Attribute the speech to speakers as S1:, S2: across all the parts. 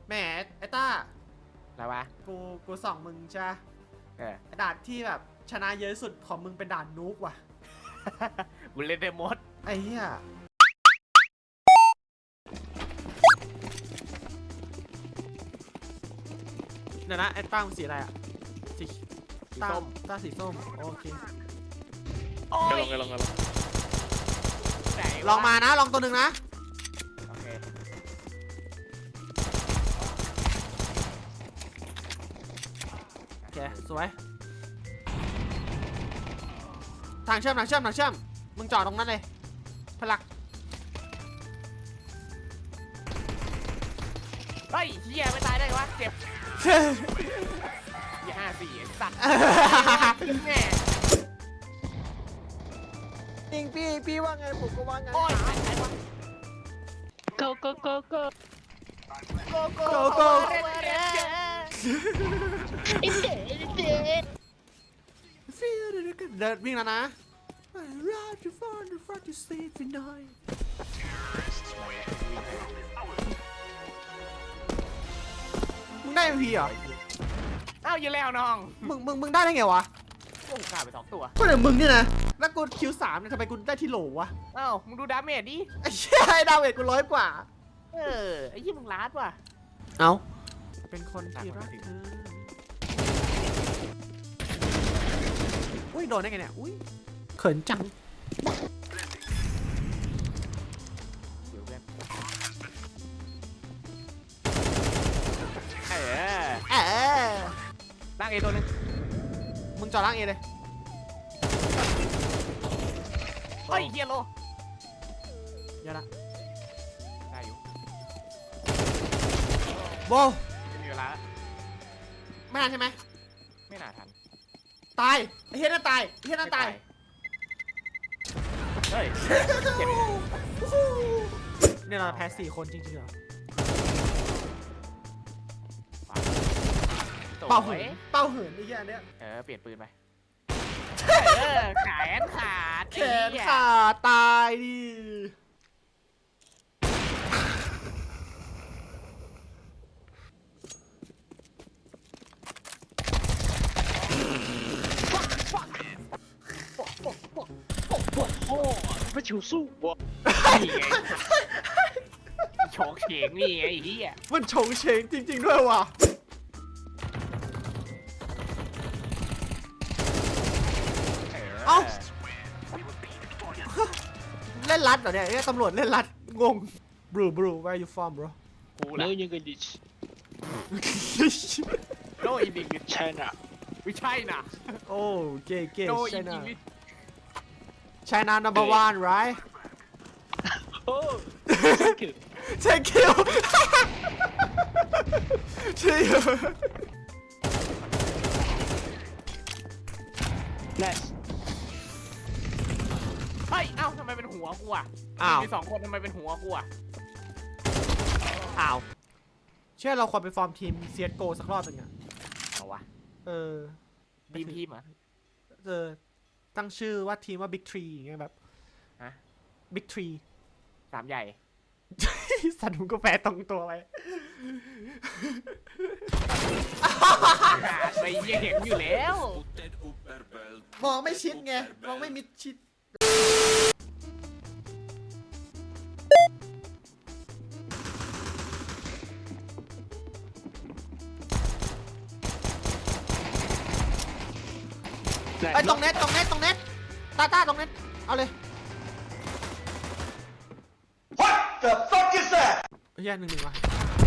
S1: แหมไอ้ต้า
S2: อะไรวะ
S1: กูส่องมึงใช่ด่านที่แบบชนะเยอะสุดของมึงเป็นด่านนุกว่ะ
S2: กูเล่นได้หมด
S1: ไอ้เหี้ยเดี๋ยวนะไอ้ต้ามึงสีอะไรอ่ะสีส้มต้าสีส้มโอเคลองมานะลองตัวหนึ่งนะ
S2: โอเค
S1: โอเคสวยทางเชื่อมมึงจอดตรงนั้นเลยพลัก
S2: เฮ้ยเฮียไม่ตายได้วะเจ็บอย่า54ไอ้สัตว์แม่
S1: จริงพี่ว่าไงผมก็ว่าไง
S2: โอ้ย
S3: go go go go
S1: โกเดินวิ่งแล้วนะมึงได้ MP เหรอ
S2: เอ้าอยู่แล้วน้อง
S1: มึงได้ไงวะ
S2: กูฆ่าไป2 ตัว
S1: ก็เดี๋ยวมึงเนี่ยนะแล้วกูคิว3เนี่ยทำไมกูได้ที่โหลวะ
S2: เอ้ามึงดูดาเมจดิ
S1: ไอ้เชี่ยไอ้ดาวเวทกู100 กว่า
S2: ไอ้ยี่มึงล้าดว่ะ
S1: เอาเป็นคนที่รักเธออุ้ยโดนได้ไงเนี่ยอุ้ยเขินจัง
S2: เดี๋ยวเพื่อนล่างเอตัวนึง
S1: มึงจอดล่างเอเลย
S2: เฮ้ยเฮียโล
S1: เดี๋ยวละ
S2: ได้อยู่
S1: โบ
S2: มีเวลา
S1: ไม่ทันใช่ไหม
S2: ไม่น่าทัน
S1: ตายไอ้เฮียนั่นตายไอ้เฮียนั่นตาย
S2: เฮ้ย
S1: เนี่ยเราแพ้4 คนจริงๆเหรอเป่าเหินไอ้เหี้ยเนี่ย
S2: เปลี่ยนปืนไปแขนขาด
S1: แขนขาดตายดิ
S3: โอ้ไม่ชิวสู้วะ
S2: นี่ไงโฉกเฉงนี่ไงไอ้เหี้ย
S1: มันโฉงเฉงจริงๆด้วยว่ะเอ้าเล่นรัดเหรอเนี่ยตำรวจเล่นรัดงง bro where you from bro
S2: กูละ
S3: no English
S2: no English
S3: China
S2: ไม่ใช่นะ
S1: โอ้เก๋
S2: no
S1: China
S2: English
S1: China number 1 right
S3: oh thank you
S1: thank you ใช่เหรอ
S3: nice
S2: เฮ้ยเอ้าทำไมเป็นหัวกูอ่ะมี2 คนทำไมเป็นหัวกูอ่ะ
S1: อ้าวเชื่อเราควรไปฟอร์มทีม CSGO สักรอบหนึ่งอะ
S2: เอาวะทีมอ่ะ
S1: ตั้งชื่อว่าทีมว่า Big Tree ไงแบบBig Tree
S2: 3 ใหญ่
S1: สัตว์มึงก็แปลตรงตัวไป
S2: ไปเห็นอยู่แล้ว
S1: มองไม่ชิดไงมองไม่มิดชิดไอ้ตรงเน็ตต้าตรงเน็ตเอาเลย
S4: What the fuck is that
S1: เฮีย1-1ว่ะ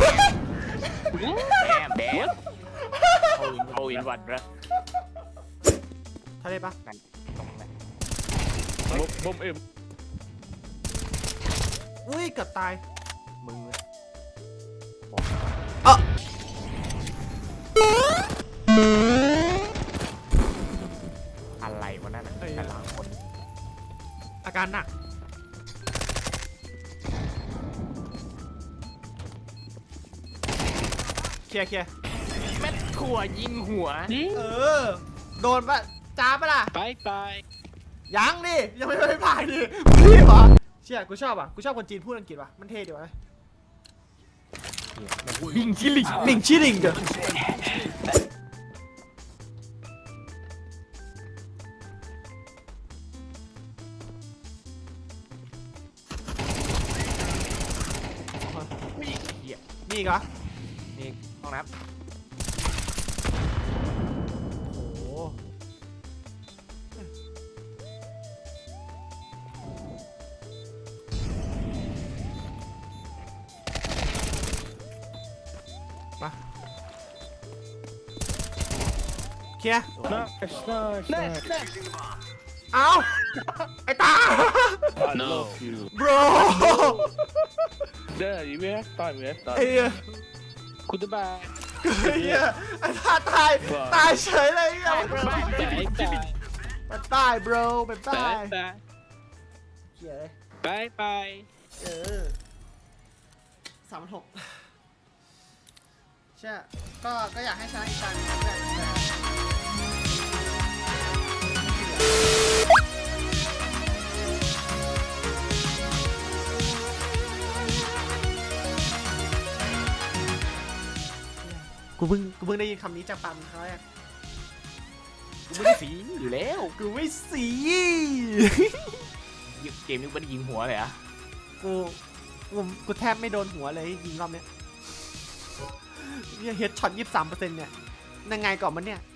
S2: แบมโอ้ยวันละ
S1: ทะเลปะ
S2: ตรงนั้น
S3: บอมเอ็ม
S1: อุ้ยเกือบตาย
S2: มึงอะไรวะนั่นแต่ละคน
S1: อาการหนักเคลียร์
S2: แม่ถั่วยิงหัว
S1: โดนปะจ้าปะล่ะ
S3: ไป
S1: ยังดิยังไม่ผ่านดิมึงรีบเหรอเชี่ยกูชอบอ่ะกูชอบคนจีนพูดอังกฤษว่ะมันเท่ดีวะ
S2: บิงชิลิง
S1: มิงชิลิงเด้อมีอีกเหรอ
S2: นี่ห้องน้
S1: โอ้โหมาเคลียร์
S3: Nice, nice, nice.
S1: เอาไอ้ตา
S3: I love you.
S1: bro
S3: There, you have time, you have
S1: ไอ้
S3: time.
S1: เหี้ย
S3: Goodbye.
S1: ไอ้เหี้ยไอ้ตาตายตายเฉยเลยไอ้เหี้ย
S3: Bye, bye.
S1: ไปตาย bro ไปตาย
S3: Bye, bye.
S1: เหี้ยเลย
S3: Bye, bye.
S1: 36ใช่ก็อยากให้ชนะอีกครั้งแต่กูเพิ่งได้ยินคำนี้จากปากมึงครั้งแรก
S2: ำกูไม่ได้สีอยู่แล้ว
S1: กูไม่สี
S2: เกมนี้ไม่ได้ยิงหัวเลยอะ
S1: กูแทบไม่โดนหัวเลยยิงรอบเนี้ยเฮดช็อต 23% เนี่ยยังไงก่อนมันเนี่ย